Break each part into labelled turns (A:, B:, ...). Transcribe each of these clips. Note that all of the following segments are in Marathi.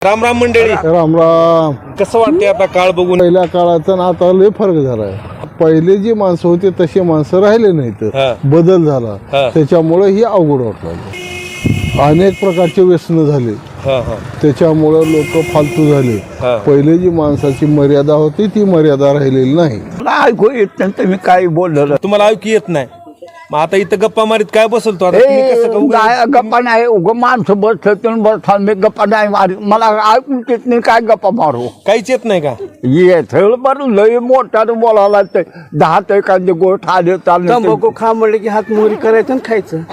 A: राम राम मंडळी.
B: राम राम.
A: कसं वाटतंय आता काळ बघून?
B: पहिल्या काळाचा आणि आता लय फरक झालाय. पहिले जी माणसं होती तशी माणसं राहिले नाहीत,
A: हा.
B: बदल झाला.
A: हा.
B: त्याच्यामुळे ही अवघड वाटलं. अनेक प्रकारचे व्यसन झाले,
A: हा हा
B: त्याच्यामुळे लोक फालतू झाले.
A: हा.
B: पहिले जी माणसाची मर्यादा होती ती मर्यादा राहिलेली नाही.
C: ऐकू येत नाही तुम्ही काही बोललेलं.
A: तुम्हाला ऐकू येत नाही, मग आता इथं गप्पा मारीत काय बसलतो आता? तुम्ही कसं का उगाच-
C: काय गप्पा नाही उगं माणसं बसलं तुम्ही बसता मी गप्पा नाही मारी मला ऐकून येत नाही काय गप्पा मारू
A: काहीच येत नाही का?
C: येत बरं लय मोठ्यानं बोलायला ते 10 ते एखादी गोष्ट आले
D: तंबाखू खा म्हणलं की हात मोहरी करायचं आणि खायचं.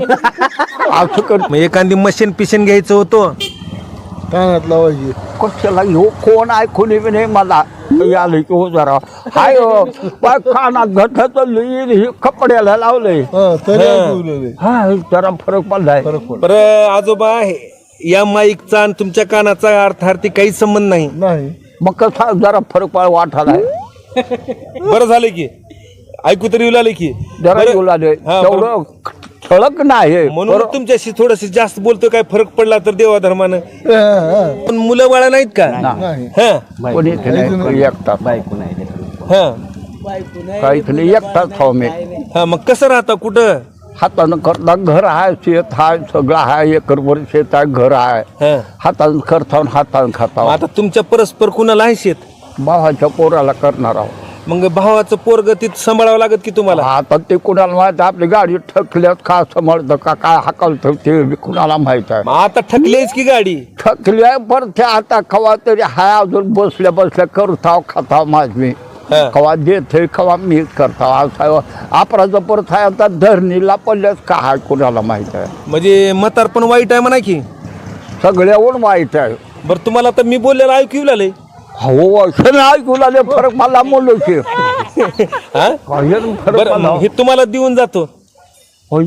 C: हा असं कर
A: मग एखादी मशीन पिशन घ्यायचं होतं.
B: कानात लावायची.
C: कशाला घेऊ कोण ऐकून बी नाही मला आलं की हो जरा हाय कानात घटत हे कपड्याला लावलंय
B: हा, तरी ऐकवलेले.
C: हा जरा फरक पडलाय
A: बरं आजोबा, या माईकचा आणि तुमच्या कानाचा अर्थार्थी काहीच संबंध नाही.
B: नाही.
C: मग कसा जरा फरक वाटायलाय
A: बरं झालं की ऐकू तरी लागले की.
C: जरा
A: बरं.
C: बोलाले
A: हा,
C: तेवढं ठळक नाही
A: म्हणून तुमच्याशी थोडस जास्त बोलतो. काय फरक पडला तर देवा धर्मानं.
B: हा, हा.
A: पण मुलं बाळा नाहीत का?
B: नाही.
A: हा
C: कोणी एकटाच
A: हा
C: काहीच नाही एकटाच खाऊ मी
A: हा. मग कसं राहता कुठं?
C: हातानं करता घर आहे शेत आहे सगळं आहे एकरभर शेत आहे घर आहे
A: हा.
C: हातानं करता हातानं
A: मग
C: खाता
A: आता तुमच्या परस्पर कुणाला आहे शेत?
C: भावाच्या पोराला करणार आहोत
A: मग भावाचं पोरग तिथं सांभाळावं लागत की तुम्हाला?
C: आता ते कुणाला माहित आपली गाडी ठकल्यात का समजतं का काय हाकलतं ते बी कुणाला माहित आहे
A: मग आता ठकलीच की गाडी?
C: ठकल्या पर ते आता कवा तरी हाय अजून बसल्या बसल्या करताव खाताव माझ मी
A: हा.
C: कवा देते कवा मी करताव असं अपराध परत आहे आता धरणीला पडल्यास काय कुणाला माहित आहे
A: म्हणजे म्हातारपण वाईट आहे म्हणा की.
C: सगळ्यावर माहित आहे
A: बरं तुम्हाला आता मी बोललेलं ऐकू लागले.
C: हो असं नाही ऐकू लागले फरक मला बोललो की
A: हा?
C: फरक
A: बरं
C: मला
A: हे तुम्हाला देऊन जातो.
C: होय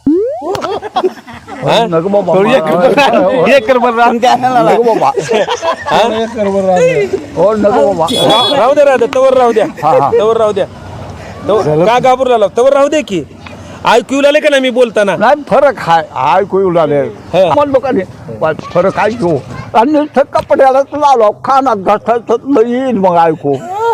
A: हा?
C: नको बाबा
D: एकर भर रान द्यायला
C: नको बाबा
A: हा?
C: हो नको बाबा
A: राहू द्या तवर राहू द्या.
C: हा, हा.
A: तवर राहू द्या. का घाबरू लागला? तवर राहू दे की. ऐकू लागले का नाही मी बोलताना?
C: नाही फरक आहे ऐकू लागले
A: हा.
C: मन लोकांनी फरक ऐकू आणि नुसतं कपड्यालाच लावलो कानात घासायचं येईल मग ऐकू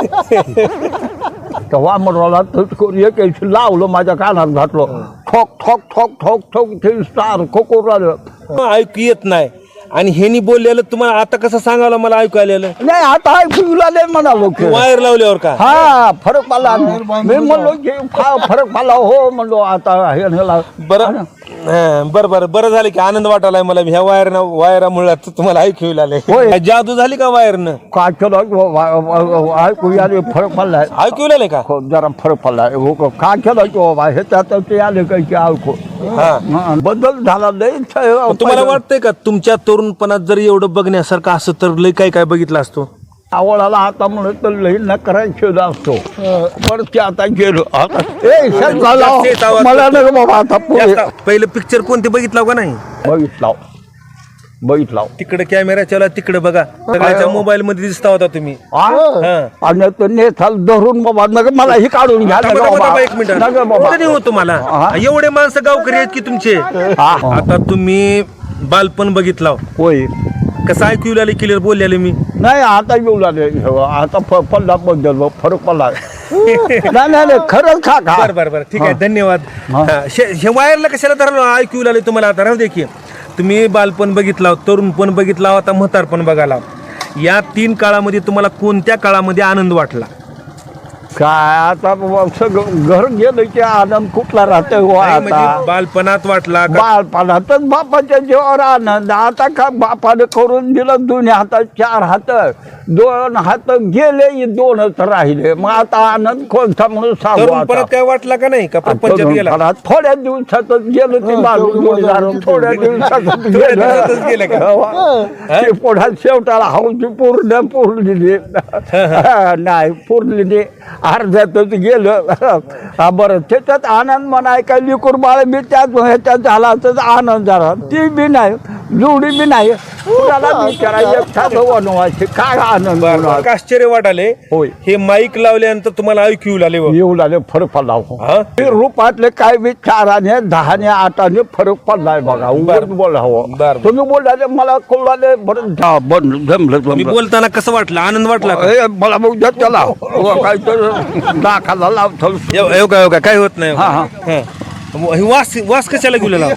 C: तेव्हा म्हणला एक लावलं माझ्या कानात घातलं ठोक ठोक ठोक ठोक ठोक ते सारखं करू राहिलं
A: ऐकू येत नाही आणि ह्यानी बोललेलं तुम्हाला आता कसं सांगावं मला ऐकू आलेलं?
C: नाही आता ऐकू लागले म्हणालो की
A: वायर लावल्यावर का?
C: हा फरक पडला मी म्हणलो की फरक पडला हो म्हणलो आता हे
A: बरं बरं झालं की आनंद वाटायलाय मला. ह्या वायरामुळे तुम्हाला ऐकू लागले.
C: होय.
A: जादू झाली का वायरनं?
C: काय केलं ऐकू आले फरक पडलाय
A: ऐकू लागले का?
C: जरा फरक पडलाय काय केलं की बाबा हे त्यात ते आले काही की ऐकू
A: हा.
C: बदल झाला लय
A: पण तुम्हाला वाटतंय का तुमच्या तरुणपणात जर एवढं बघण्यासारखं असं तर लय काय काय बघितलं असतो?
C: आवळाला आता म्हणत तर लई नकरा शोध असतो पण ते आता गेलो आता
A: जास्त आवाज
C: मला नका बाबा आता पुढे
A: पहिलं पिक्चर कोणते बघितलं का नाही?
C: बघितला
A: तिकडे कॅमेरा चला तिकडे बघा. सगळ्याच्या मोबाईल मध्ये दिसता होता तुम्ही.
C: आणि तो नेथाल धरून बाबा नका मला ही काढून घ्या नका बाबा.
A: एक मिनिट
C: नका बाबा
A: कधी हो तुम्हाला एवढे माणसं गावकरी आहेत की तुमचे. आता तुम्ही बालपण बघितला,
C: होय
A: कसं ऐकू लागले क्लिअर बोललेले मी?
C: नाही आता येऊ लागले आता पडला बद्दल फरक पडला नाही खरंच खा
A: बरं ठीक आहे धन्यवाद. हे वायरला कशाला धरलं ऐकू लागले तुम्हाला? आता राहू दे की. तुम्ही बालपण बघितला, तरुणपण बघितला, आता म्हातारपण बघायला. या 3 काळामध्ये तुम्हाला कोणत्या काळामध्ये आनंद वाटला?
C: काय आता बाबा सगळं घर गेलं की आनंद कुठला राहतोय हो
A: नाही,
C: आता
A: म्हणजे बालपणात वाटला का?
C: बालपणातच बापाच्या जीवावर आनंद आता का बापाने करून दिलं दोन्ही हातात 4 हात 2 हात गेले 2च राहिले मग आता आनंद कोणता म्हणून सांगू
A: तरुणपणात
C: आता.
A: काय वाटला का नाही? का प्रपंचात गेला?
C: तरुणपणात थोड्या दिवसातच गेलं ते बाजू थोड्या दिवसातच
A: दिवसातच गेलं
C: गेलं ते पुढ्यात शेवटाला हौशी पुरली नाही पुरली अर्ध्यातच गेलं बरं त्याच्यात आनंद म्हणाय काय लिकूर बाळ बी त्यात ह्याच्यात झाला तर आनंद झाला ती बी नाही जोडी बी नाही कुणाला विचारा एकटाच वनवासी काय आनंद
A: बरं आश्चर्य वाटाले
C: होय.
A: हे माईक लावल्यानंतर तुम्हाला ऐकू येऊ लागले बघ.
C: येऊ लागले फरक पडला हो.
A: हा?
C: हे रूपातले काय बी 4 10 8 फरक पडलाय बघा उगाच बोलावं
A: बरं.
C: तुम्ही बोलले मला कळले बरं जमलं
A: मी बोलताना कसं वाटलं आनंद वाटला का?
C: मला मग द्या त्याला काय तर दाखाला लावतो
A: येऊ का काय होत नाही
C: हा, हा.
A: हा. हे वास कशाला घेऊन लाव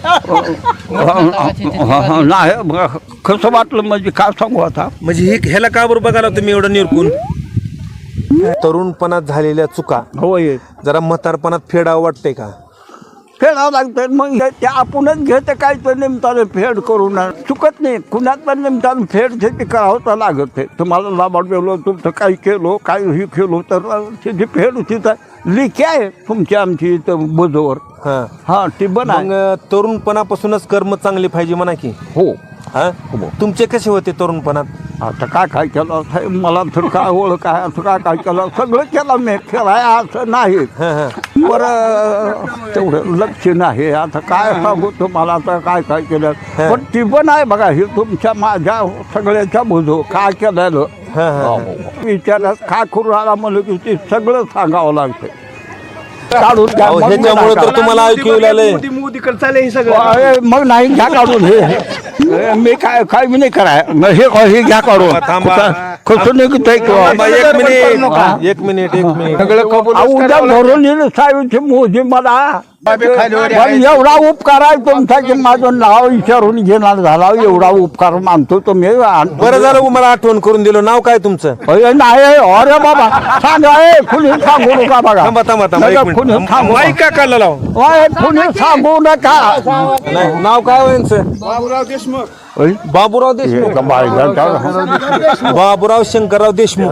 C: नाही कसं वाटलं म्हणजे काय सांगू आता
A: म्हणजे ह्याला का बरोबर बघायला तुम्ही एवढं निरकून तरुणपणात झालेल्या चुका
C: होय
A: जरा म्हातारपणात फेडावं वाटतंय का?
C: फेडावं लागतं मग ते आपणच घेते काय तर निमतानं फेड करून चुकत नाही कुणात पण निमतानं फेड ते करावं तर लागत आहे तुम्हाला लाभाड गेलो तुमचं काही केलो काही केलो तर त्याची फेड तिथं लिखी आहे तुमची आमची इथं बुजवर
A: हा
C: हा ती बना
A: मग तरुणपणापासूनच कर्म चांगले पाहिजे म्हणा की
C: हो
A: हा तुमचे कसे होते तरुणपणात
C: आता काय केलं साहेब मला तर काय ओळख काय असं काय केलं सगळं केलं मी खेळाय असं नाही
A: हा हा
C: तेवढं लक्ष नाही आता काय सांगू तुम्हाला आता काय केलं पण ती पण आहे बघा हे तुमच्या माझ्या सगळ्याच्या बुजो काय केलेलं विचारात काय करू आला म्हणलं की ते सगळं सांगावं लागतं काढून घ्या, मग
A: ह्याच्यामुळे तर
C: नका.
A: तुम्हाला ऐकू येऊ लागलंय
D: मोदीकडे चालले हे सगळं
C: अरे, मग नाही घ्या काढून हे मी काय मी नाही कराय हे घ्या काढून
A: थांबा.
C: कसं निघतंय
A: थांबा, एक मिनिट
C: उद्या धरून येईल साहेबची मोदी मला पण एवढा उपकार आहे तुमचा की माझं नाव विचारून घेणार झाला एवढा उपकार मानतो तुम्ही
A: बरं झालं मला आठवण करून दिलं नाव काय तुमचं
C: नाही अरे बाबा सांगा कुणी सांगू नका बघा
A: थांबा एक मिनिट.
C: कुणी सांगू
A: माईक का काढला लाव
C: कुणी सांगू नका
A: नाही नाव काय हो यांचं बाबूराव देशमुख बाबूराव शंकरराव देशमुख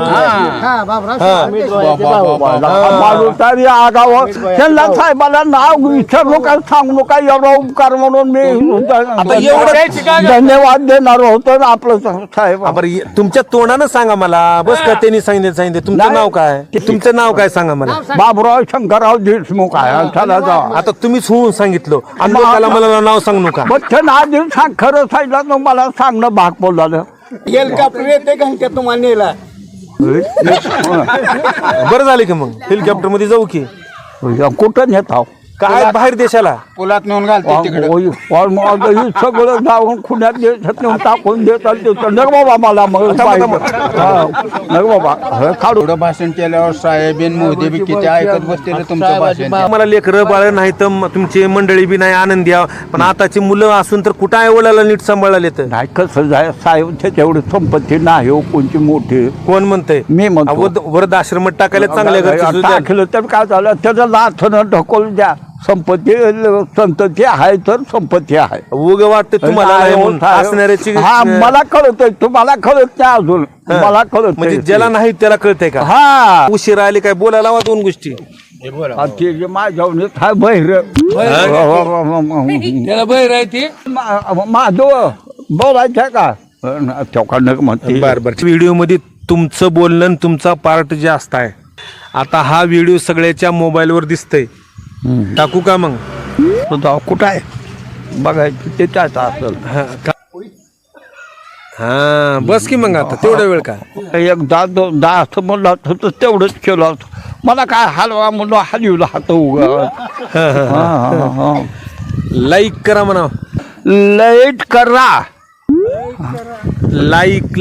C: तरी आगाव त्यांना साहेबाला नाव विचारू नका सांगू नका एवढा उपकार म्हणून मी धन्यवाद देणार होतो ना आपलं साहेब
A: बरं तुमच्या तोंडानं सांगा मला बस का त्यांनी सांगितलं तुमचं नाव काय तुमचं नाव काय सांगा मला
C: बाबूराव शंकरराव देशमुख आहे चला जा
A: आता तुम्हीच होऊन सांगितलं आणि लोकाला मला नाव सांगू नका
C: मग ते ना सांग खरं सांगितलं तर मला सांगणं भाग पडलं
D: हेलिकॉप्टर येते का त्या तुम्हाला नेला
A: बरं झालं की मग हेलिकॉप्टर मध्ये जाऊ की
C: कुठं नेत आहो
A: काय बाहेर देशाला
D: पोलात नेऊन घालते तिकडे
C: सगळं जाऊन खुण्यात देशात नेऊन टाकून देतात नग बाबा मला मग नग बाबा काढू
D: थोडं भाषण केल्यावर साहेबीन मोदी बी किती ऐकत बसते तुमचं भाषण
A: मला लेकरं बाळ नाही तर तुमची मंडळी बी नाही आनंदी आहो. पण आताची मुलं असून तर कुठं आहे वडिलाला नीट सांभाळायला येतं
C: नाही कसं जाय साहेब त्याच्याएवढी संपत्ती नाही हो कोणची मोठी
A: कोण म्हणतंय
C: मी म्हणतो
A: वृद्धाश्रमात टाकायला चांगल्या घरचे सुद्धा.
C: टाकलं तर काय झालं त्याचं लाथनं ढकलून द्या संपत्ती संतती आहे तर संपत्ती आहे
A: उग वाटतं तुम्हाला नाही म्हणून. असणाऱ्याची
C: हा मला कळतंय तुम्हाला कळत नाही अजून मला कळत
A: म्हणजे ज्याला नाही त्याला कळतंय का
C: हा
A: उशीर आले काय बोलायला हवा दोन गोष्टी
C: ते जे माझ्या हा बहिर
D: त्याला बहीर आहे ती
C: माझं बोलायचं का चौकांड म्हणते
A: बर व्हिडिओ मध्ये तुमचं बोलणं आणि तुमचा पार्ट जास्त आहे. आता हा व्हिडिओ सगळ्याच्या मोबाईलवर दिसतंय टाकू का मग
C: कुठं आहे बघायचं ते त्याचं असेल
A: हा बस की मग आता तेवढा वेळ का
C: एक दहा असं म्हणलं होतं तर तेवढंच केलं होतं मला काय हलवा म्हणून हलवलं हात उगा
A: लाईक करा म्हणा
C: लाईट करा
A: लाईक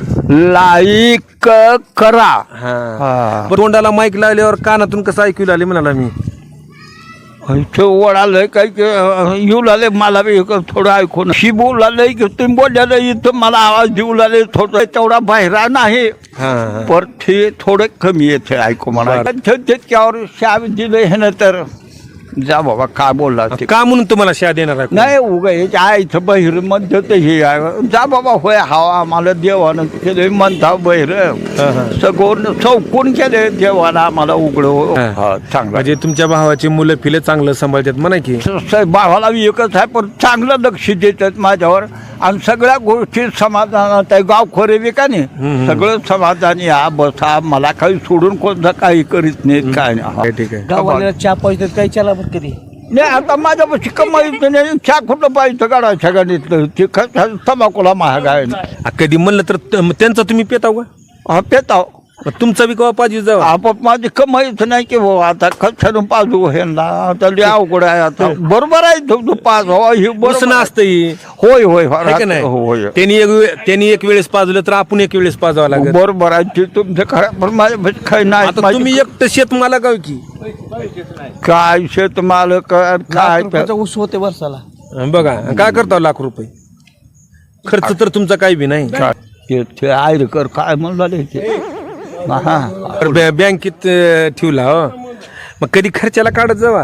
C: करा
A: हा तोंडाला माईक लावल्यावर कानातून कसं ऐकू लागले म्हणाला मी
C: इथे ओढालंय काही येऊ लागले मला बी थोडं ऐकून शी बोलालंय की तुम्ही बोललेलं इथं मला आवाज देऊ लागले थोडं तेवढा बाहेर नाही पर ते थोडं कमी येते ऐकू मला त्याच्यावर शाब दिलं हे ना तर जा बाबा काय बोलला ते
A: का म्हणून तुम्हाला शा देणार आहे
C: नाही उगा याच्या आईचं बहिर म्हणतं ते हे आहे जा बाबा होय हवा आम्हाला देवानं केलं म्हणता बहिर सगळं चौकून केले देवानं आम्हाला उघड चांगलं
A: म्हणजे तुमच्या भावाची मुलं फिले चांगलं सांभाळतात म्हणा की
C: भावाला एकच आहे पण चांगलं लक्ष देतात माझ्यावर आणि सगळ्या गोष्टी समाधानात आहे गाव खोरे बी का नाही सगळं समाधानी हा बसा मला काही सोडून कोणतं काही करीत नाहीत काय नाही
A: ठीक आहे
D: गावाला चहा पाहिजे काही चला कधी
C: नाही आता माझ्यापाशी कमाईचं नाही चहा कुठं पाहिजे गाडाच्या गाडीतलं ते तंबाखूला महाग आहे ना.
A: कधी म्हणलं तर त्यांचा तुम्ही पेताव का
C: हा पेताव
A: तुमचा बी कवा पाहिजे जावा
C: आपण माझी कमाईच नाही की भाऊ आता कशानं पाजू ह्यांना आता लय अवघड आहे आता बरोबर आहे तू पाच हो ही
A: बसणं असतं ही.
C: होय होय
A: है का नाही
C: होय
A: त्यांनी एक वेळेस पाजलं तर आपण एक वेळेस पाजावं लागेल.
C: बरोबर आहे ते तुमचं खरं पण माझ्या काही नाही
A: आता तुम्ही एकटं शेत मला गाव की
C: काय शेत मालक काय
D: ऊस होते वर्षाला
A: बघा काय करता लाख रुपये खर्च तर तुमचा काही बी नाही.
C: ते आयरकर काय म्हणलं ते हा
A: तर बँकेत ठेवला हो मग कधी खर्चाला काढत जावा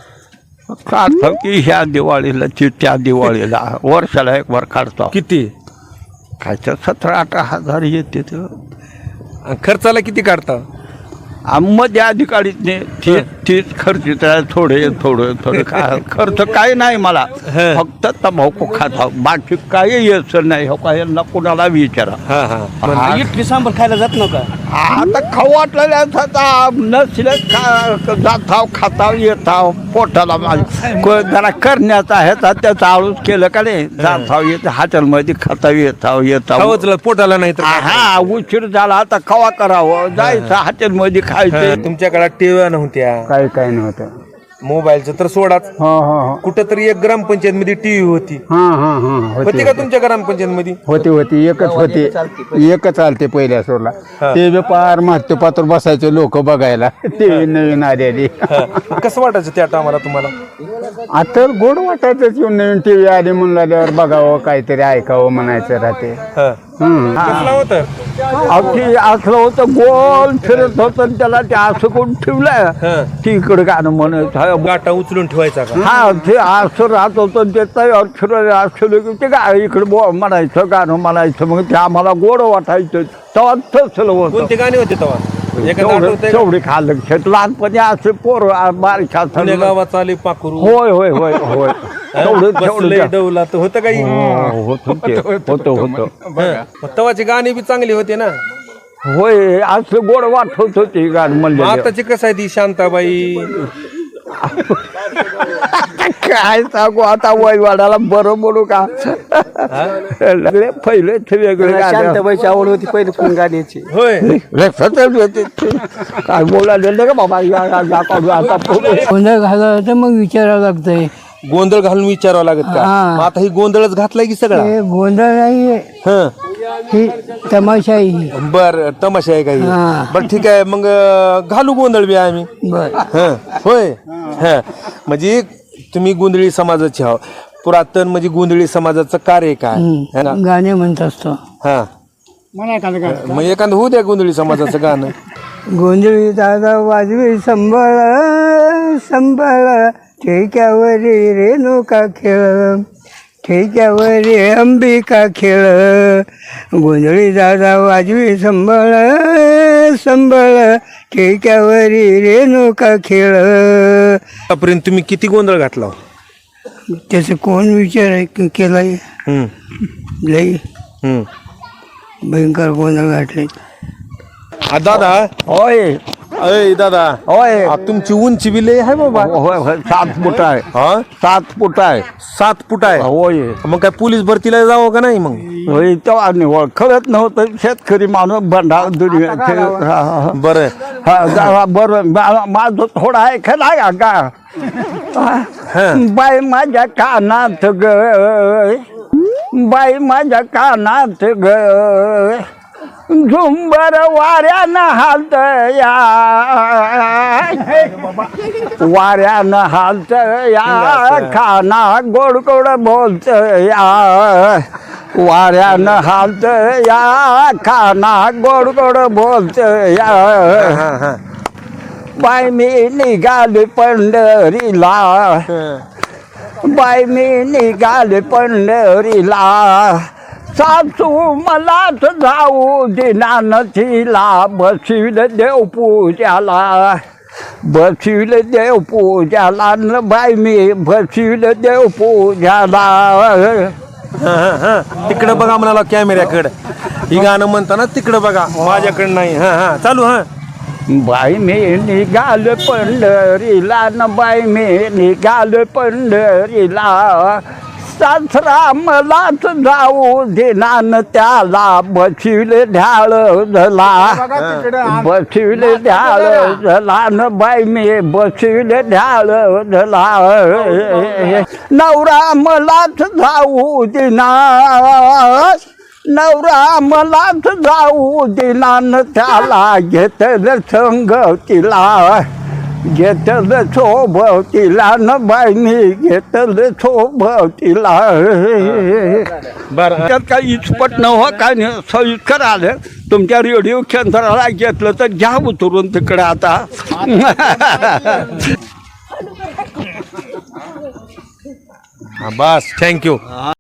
C: काढतो की ह्या दिवाळीला त्या दिवाळीला वर्षाला एक बार काढतो
A: किती
C: काय 17-18 येते
A: आणि खर्चाला किती काढता
C: मध्ये आधी काढीत नाही तीच खर्चित आहे थोडं काय खर्च काही नाही मला
A: हं.
C: फक्त तंबाखू खाता बाकी काही यायचं नाही हो काय यांना कोणाला विचारा
A: हा हा
D: इडली सांबर खायला जात नका
C: आता खाऊ वाटलेल्या नसले जाताव खाताव येताव पोटाला जरा करण्याचा आहे त्याचा आळूच केलं का नाही जाताव येत हॉटेलमध्ये खाताव येताव
A: खावंच पोटाला नाही तर
C: हा उशीर झाला आता खवा करावं जायचं हॉटेलमध्ये खायचं
A: तुमच्या काळात टीव्ही नव्हत्या
B: काय नव्हतं.
A: मोबाईलचं तर सोडाच कुठं तरी एक ग्रामपंचायत मध्ये टीव्ही होती होती का तुमच्या ग्रामपंचायत मध्ये
B: होती एकच चालते पहिल्या सोडला ते बी पार मागते पात्र बसायचे लोक बघायला ते नवीन आलेली
A: कसं वाटायचं त्या टायमाला तुम्हाला
B: आता गोड वाटायचं येऊन नवीन टीव्ही आली म्हणल्यावर बघावं काहीतरी ऐकावं म्हणायचं राहते.
A: कसलं होतं
C: अगदी असलं होतं गोल फिरत होतं आणि त्याला ते असं करून ठेवलं तिकडे गाणं म्हणत
A: गाठा उचलून ठेवायचा का
C: हा ते असं राहत होतं ते तयार फिरत असलं की ते काय इकडे म्हणायचं गाणं म्हणायचं मग ते आम्हाला गोड वाटायचं तेव्हा तसलं होतं
A: कोणते गाणे होते तेव्हा एखादं आठवतंय का?
C: तेवढे खाल्लं शेत लहानपणी असे पोर बारीक
A: जुन्या गावात आले पाखरू
C: होय होय होय होय
A: बसलंय डवला तर होतं काही
C: होतं
A: तवाचे गाणे बी चांगले होते ना
C: होय असं गोड वाटत होते गाणं म्हणलं
A: आताचे कसं आहे ती शांताबाई
C: काय सांगू आता वय वाढायला बरं बोलू का पहिले वेगळे
D: शांताबाईची आवड होती पहिले कोण गाण्याची
A: होय
C: काय बोलायला का बाबा आता
E: गोंधळ घालायला तर मग विचारावं लागतंय.
A: गोंधळ घालून विचारावं लागत का
E: हा.
A: मग आता ही गोंधळच घातलाय की सगळा
E: हे गोंधळ नाही
A: हं
E: ही तमाशा आहे ही.
A: बर तमाशा आहे काही
E: हा.
A: बर ठीक आहे मग घालू गोंधळ बी आम्ही
E: बर
A: हं होय हं म्हणजे तुम्ही गोंधळी समाजाचे आहो पुरातन म्हणजे गोंधळी समाजाचं कार्य काय है ना?
E: गाणे म्हणत असतो.
A: हा मग एखादं होऊ द्या गोंधळी समाजाचं गाणं
E: गोंधळी दादा वाजवी संभाळ संभाळ ठेक्यावरी रेणुका खेळ ठेक्यावरी अंबिका खेळ गोंधळी दादा वाजवी संभाळ संभाळ ठेक्यावरी रेणुका खेळ.
A: आतापर्यंत तुम्ही किती गोंधळ घातला
E: त्याचं कोण विचार केलाय
A: हं
E: लई
A: हं
E: भयंकर गोंधळ घातले.
A: दादा
C: होय
A: अय दादा
C: होय
A: तुमची उंची बी लय आहे बाबा
C: होय होय 7 फूट आहे
A: हा
C: 7 फूट आहे
A: 7 फूट आहे
C: होय
A: मग काय पोलीस भरतीला जावं का नाही मग
C: होय तेव्हा निवळ खरंच नव्हतं शेतकरी माणूस भंडार दुनिया
A: बरं
C: बरं माझं थोडं आहे खरं का बाई माझ्या कानात ग बाई माझ्या कानात ग झुंबर वाऱ्यानं हालत या वाऱ्यानं हालत या खाना गोड गोड बोलत या वाऱ्यानं हालत या खाना गोड गोड बोलत या बाई मी निघाले पंढरीला बाई मी निघाले पंढरीला सासू मलाच जाऊ दिना नथीला बसविल देव पूजाला बसविल देव पूजाला न बाई मी बसविल देव पूजाला.
A: तिकडं बघा म्हणाला कॅमेऱ्याकडं ही गाणं म्हणताना तिकडं बघा माझ्याकडं नाही हा हा चालू हा
C: बाई मी निघाल पंढरीला न बाई मी निघाल पंढरीला सासरा मलाच जाऊ देनान त्याला बसविले ढाळ झाला बसविले ढाळ झाला न बाई मी बसविले ढाळ झाला नवरा मलाच जाऊ देना नवरा मलाच जाऊ देनान त्याला घेतलं संगतीला घेतलं सोबतीला न बाई मी घेतलं सोबतीला
A: बरं
C: त्यात काही इचपट न हो काय नाही सोयीस्कर आलं तुमच्या रेडिओ केंद्राला घेतलं तर घ्या उतरून तिकडे आता
A: बस थँक्यू